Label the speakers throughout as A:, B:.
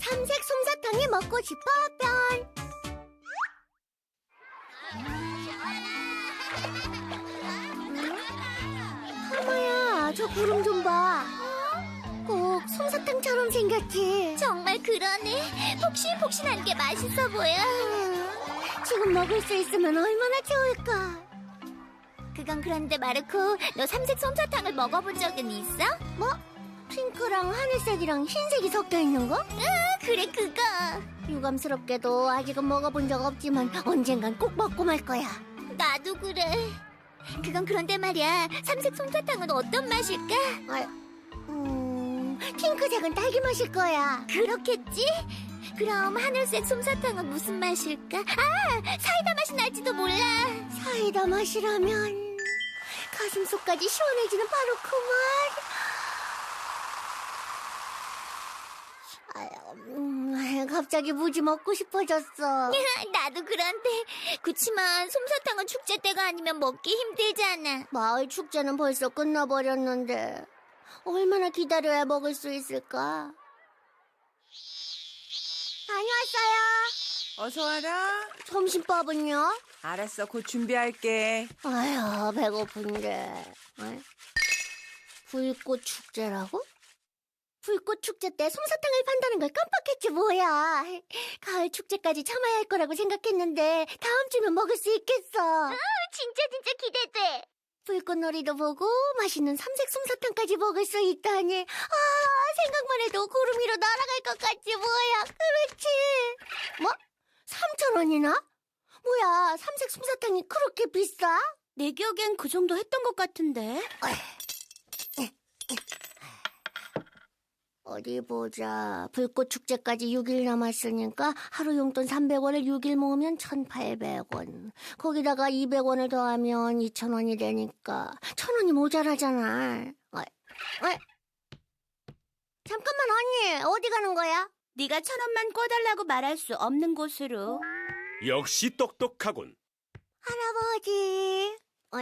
A: 삼색 솜사탕이 먹고 싶어 편. 타마야, 저 구름 좀 봐. 꼭 솜사탕처럼 생겼지.
B: 정말 그러네. 폭신폭신한 게 맛있어 보여.
A: 지금 먹을 수 있으면 얼마나 좋을까.
B: 그건 그런데 마르코, 너 삼색 솜사탕을 먹어본 적은 있어?
A: 뭐? 핑크랑 하늘색이랑 흰색이 섞여 있는 거?
B: 그래, 그거.
A: 유감스럽게도 아직은 먹어본 적 없지만 언젠간 꼭 먹고 말 거야.
B: 나도 그래. 그건 그런데 말이야. 삼색 솜사탕은 어떤 맛일까?
A: 핑크색은 딸기 맛일 거야.
B: 그렇겠지? 그럼 하늘색 솜사탕은 무슨 맛일까? 아, 사이다 맛이 날지도 몰라.
A: 사이다 맛이라면 가슴속까지 시원해지는 바로 그 맛. 갑자기 무지 먹고 싶어졌어.
B: 나도 그런데 그치만 솜사탕은 축제 때가 아니면 먹기 힘들잖아.
A: 마을 축제는 벌써 끝나버렸는데 얼마나 기다려야 먹을 수 있을까? 다녀왔어요.
C: 어서 와라.
A: 점심밥은요?
C: 알았어, 곧 준비할게.
A: 아휴, 배고픈데. 불꽃 축제라고? 불꽃 축제 때 솜사탕을 판다는 걸 깜빡했지 뭐야. 가을 축제까지 참아야 할 거라고 생각했는데 다음 주면 먹을 수 있겠어.
B: 진짜 기대돼.
A: 불꽃놀이도 보고 맛있는 삼색 솜사탕까지 먹을 수 있다니. 생각만 해도 구름 위로 날아갈 것 같지 뭐야. 그렇지. 뭐? 3,000원이나? 뭐야, 삼색 솜사탕이 그렇게 비싸?
B: 내 기억엔 그 정도 했던 것 같은데.
A: 어디 보자. 불꽃 축제까지 6일 남았으니까 하루 용돈 300원을 6일 모으면 1,800원. 거기다가 200원을 더하면 2,000원이 되니까 1,000원이 모자라잖아. 잠깐만 언니, 어디 가는 거야?
B: 네가 1,000원만 꿔달라고 말할 수 없는 곳으로.
D: 역시 똑똑하군.
A: 할아버지.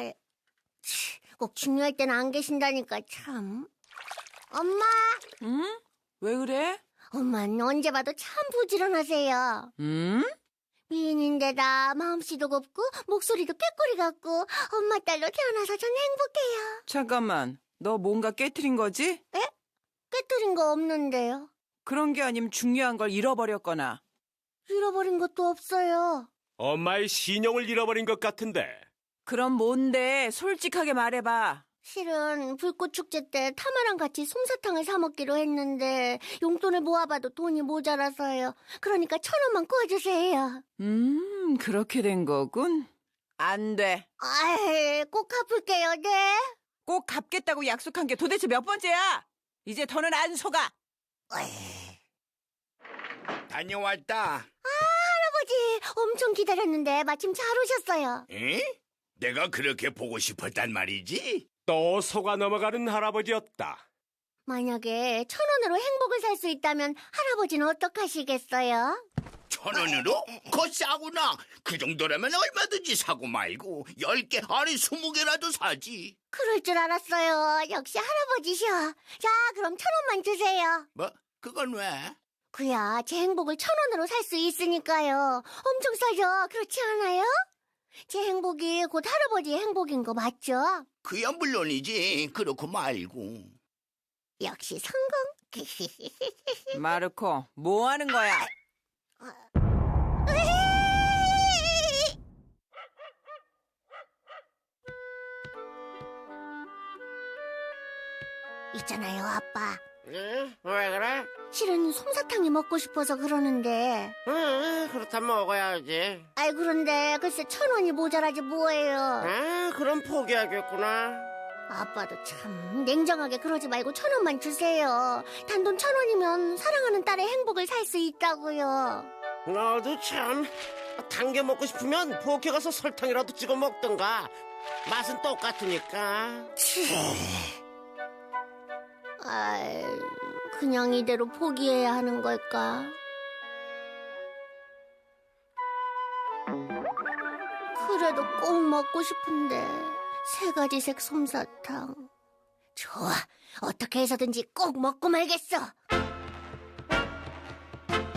A: 꼭 중요할 때는 안 계신다니까 참. 엄마.
C: 응? 왜 그래?
A: 엄마는 언제 봐도 참 부지런하세요. 미인인데다 마음씨도 곱고 목소리도 꾀꼬리 같고 엄마 딸로 태어나서 전 행복해요.
C: 잠깐만, 너 뭔가 깨트린 거지?
A: 깨뜨린 거 없는데요.
C: 그런 게 아니면 중요한 걸 잃어버렸거나.
A: 잃어버린 것도 없어요.
D: 엄마의 신용을 잃어버린 것 같은데.
C: 그럼 뭔데? 솔직하게 말해봐.
A: 실은 불꽃 축제 때 타마랑 같이 솜사탕을 사 먹기로 했는데 용돈을 모아봐도 돈이 모자라서요. 그러니까 1,000원만 구워주세요.
C: 그렇게 된 거군. 안 돼.
A: 꼭 갚을게요. 네.
C: 꼭 갚겠다고 약속한 게 도대체 몇 번째야? 이제 더는 안 속아.
E: 다녀왔다.
A: 할아버지 엄청 기다렸는데 마침 잘 오셨어요.
E: 에? 내가 그렇게 보고 싶었단 말이지?
D: 또 속아 넘어가는 할아버지였다.
A: 만약에 1,000원으로 행복을 살 수 있다면 할아버지는 어떡하시겠어요?
E: 1,000원으로? 그거 싸구나. 그 정도라면 얼마든지 사고 말고 10개, 아니 20개라도 사지.
A: 그럴 줄 알았어요. 역시 할아버지셔. 자, 그럼 1,000원만 주세요.
E: 뭐? 그건 왜?
A: 그야 제 행복을 1,000원으로 살 수 있으니까요. 엄청 싸죠? 그렇지 않아요? 제 행복이 곧 할아버지의 행복인 거 맞죠?
E: 그야 물론이지. 그렇고 말고.
A: 역시 성공.
C: 마르코, 뭐 하는 거야? 있잖아요, 아빠.
F: 응? 왜 그래?
A: 실은 솜사탕이 먹고 싶어서 그러는데.
F: 응, 그렇다면 먹어야지.
A: 그런데 글쎄 1,000원이 모자라지 뭐예요.
F: 그럼 포기하겠구나.
A: 아빠도 참 냉정하게 그러지 말고 1,000원만 주세요. 단돈 1,000원이면 사랑하는 딸의 행복을 살 수 있다고요.
F: 너도 참. 당겨 먹고 싶으면 포케 가서 설탕이라도 찍어 먹던가. 맛은 똑같으니까.
A: 그냥 이대로 포기해야 하는 걸까? 그래도 꼭 먹고 싶은데 3가지색 솜사탕. 좋아, 어떻게 해서든지 꼭 먹고 말겠어.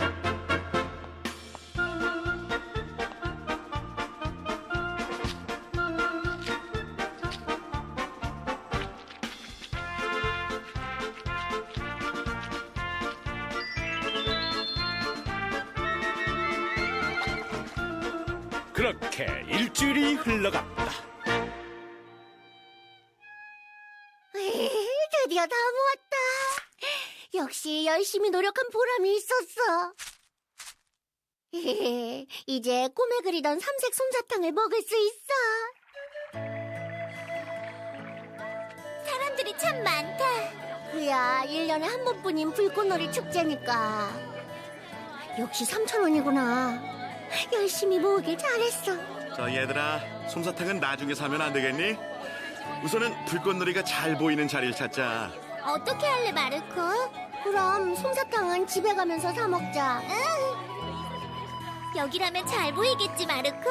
D: 그렇게 일주일이 흘러갔다.
A: 드디어 다 모았다. 역시 열심히 노력한 보람이 있었어. 이제 꿈에 그리던 삼색 솜사탕을 먹을 수 있어.
B: 사람들이 참 많다.
A: 그야 1년에 한 번뿐인 불꽃놀이 축제니까. 역시 3,000원이구나. 열심히 모으길 잘했어.
G: 자, 얘들아, 솜사탕은 나중에 사면 안 되겠니? 우선은 불꽃놀이가 잘 보이는 자리를 찾자.
B: 어떻게 할래, 마르코?
A: 그럼 솜사탕은 집에 가면서 사 먹자.
B: 여기라면 잘 보이겠지, 마르코?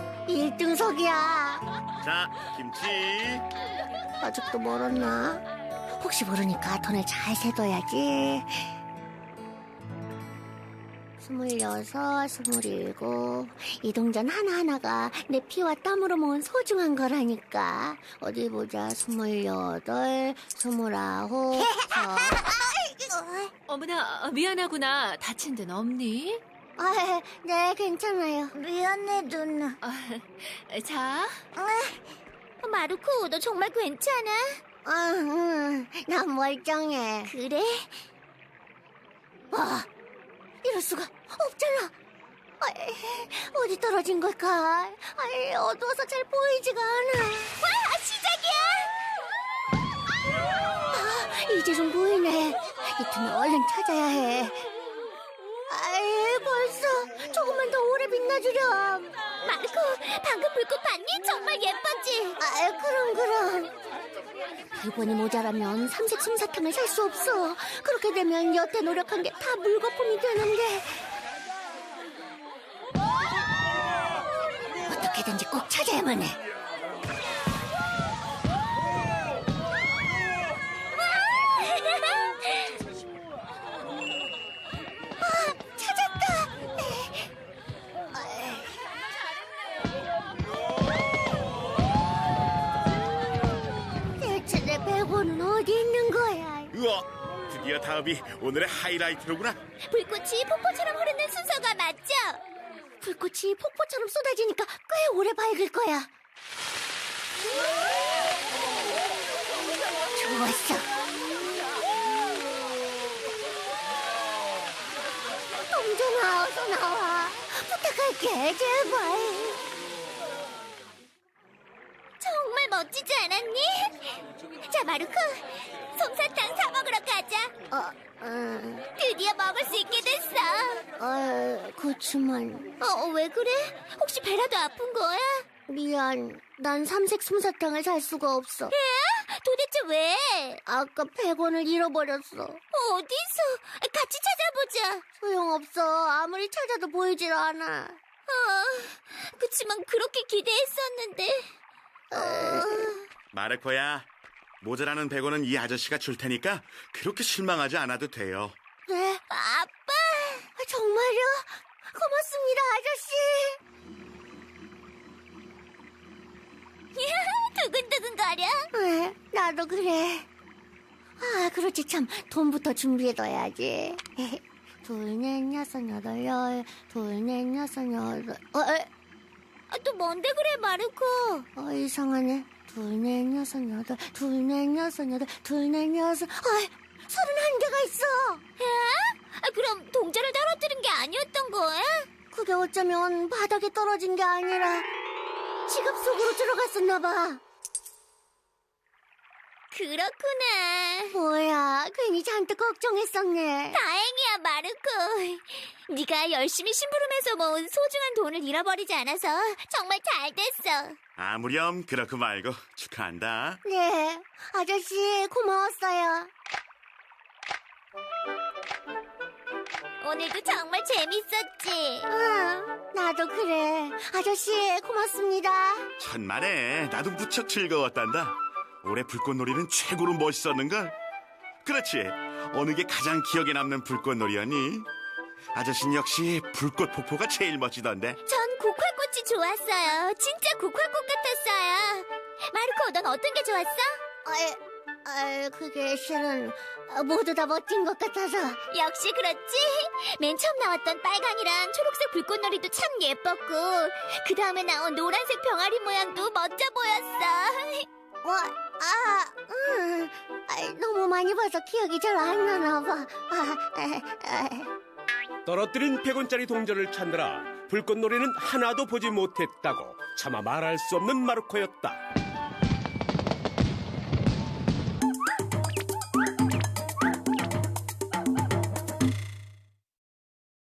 A: 1등석이야.
G: 자, 김치.
A: 아직도 멀었나? 혹시 모르니까 돈을 잘 세둬야지. 26, 27. 이 동전 하나하나가 내 피와 땀으로 모은 소중한 거라니까. 어디 보자. 28, 29.
C: 어머나, 미안하구나. 다친 데는 없니?
A: 네, 괜찮아요.
B: 미안해, 누나.
C: 자,
B: 마르코, 너 정말 괜찮아?
A: 난 멀쩡해.
B: 그래?
A: 이럴 수가 없잖아. 어디 떨어진 걸까? 어두워서 잘 보이지가 않아.
B: 와, 시작이야!
A: 이제 좀 보이네. 이 틈에 얼른 찾아야 해. 벌써 조금만 더 오래 빛나주렴.
B: 마르코, 방금 불꽃 봤니? 정말 예뻤지?
A: 그럼. 100원이 모자라면 삼색 솜사탕을 살 수 없어. 그렇게 되면 여태 노력한 게 다 물거품이 되는데. 어떻게든지 꼭 찾아야만 해. 찾았다. 대체 내 100원은 어디 있는 거야?
G: 우와, 드디어 다음이 오늘의 하이라이트로구나.
B: 불꽃이 폭포처럼 흐르는 순서가 맞죠?
A: 불꽃이 폭포처럼 쏟아지니까 꽤 오래 밝을 거야. 좋았어. 동전아, 어서 나와. 부탁할게, 제발.
B: 정말 멋지지 않았니? 자, 마르코, 솜사탕 사 먹으러 가자. 드디어 먹을 수 있게 됐어.
A: 그치만.
B: 왜 그래? 혹시 배라도 아픈 거야?
A: 미안. 난 삼색 솜사탕을 살 수가 없어.
B: 도대체 왜?
A: 아까 100원을 잃어버렸어.
B: 어디서? 같이 찾아보자.
A: 소용없어. 아무리 찾아도 보이질 않아.
B: 그치만 그렇게 기대했었는데.
G: 마르코야, 모자라는 100원은 이 아저씨가 줄 테니까 그렇게 실망하지 않아도 돼요.
A: 네?
B: 아빠!
A: 정말요? 고맙습니다, 아저씨.
B: 두근두근거려.
A: 나도 그래. 그렇지 참. 돈부터 준비해둬야지. 둘, 넷, 여섯, 여덟, 열. 둘, 넷, 여섯, 여덟.
B: 또 뭔데 그래, 마르코?
A: 이상하네. 둘, 넷, 여섯, 여덟. 둘, 넷, 여섯, 여덟. 둘, 넷, 여섯. 31개가 있어.
B: 그럼 동전을 떨어뜨린 게 아니었던 거야?
A: 그게 어쩌면 바닥에 떨어진 게 아니라 지갑 속으로 들어갔었나 봐.
B: 그렇구나.
A: 뭐야, 괜히 잔뜩 걱정했었네.
B: 다행이야, 마르코. 네가 열심히 심부름해서 모은 소중한 돈을 잃어버리지 않아서 정말 잘 됐어.
G: 아무렴 그렇고 말고 축하한다.
A: 네, 아저씨 고마웠어요.
B: 오늘도 정말 재밌었지?
A: 나도 그래. 아저씨 고맙습니다.
G: 천만에 나도 무척 즐거웠단다. 올해 불꽃놀이는 최고로 멋있었는걸? 그렇지. 어느 게 가장 기억에 남는 불꽃놀이였니? 아저씨는 역시 불꽃 폭포가 제일 멋지던데.
B: 전 국화꽃이 좋았어요. 진짜 국화꽃 같았어요. 마르코, 넌 어떤 게 좋았어?
A: 그게 실은 모두 다 멋진 것 같아서.
B: 역시 그렇지. 맨 처음 나왔던 빨강이랑 초록색 불꽃놀이도 참 예뻤고 그 다음에 나온 노란색 병아리 모양도 멋져 보였어.
A: 뭐, 너무 많이 봐서 기억이 잘 안 나나 봐.
H: 떨어뜨린 100원짜리 동전을 찾느라 불꽃놀이는 하나도 보지 못했다고 차마 말할 수 없는 마르코였다.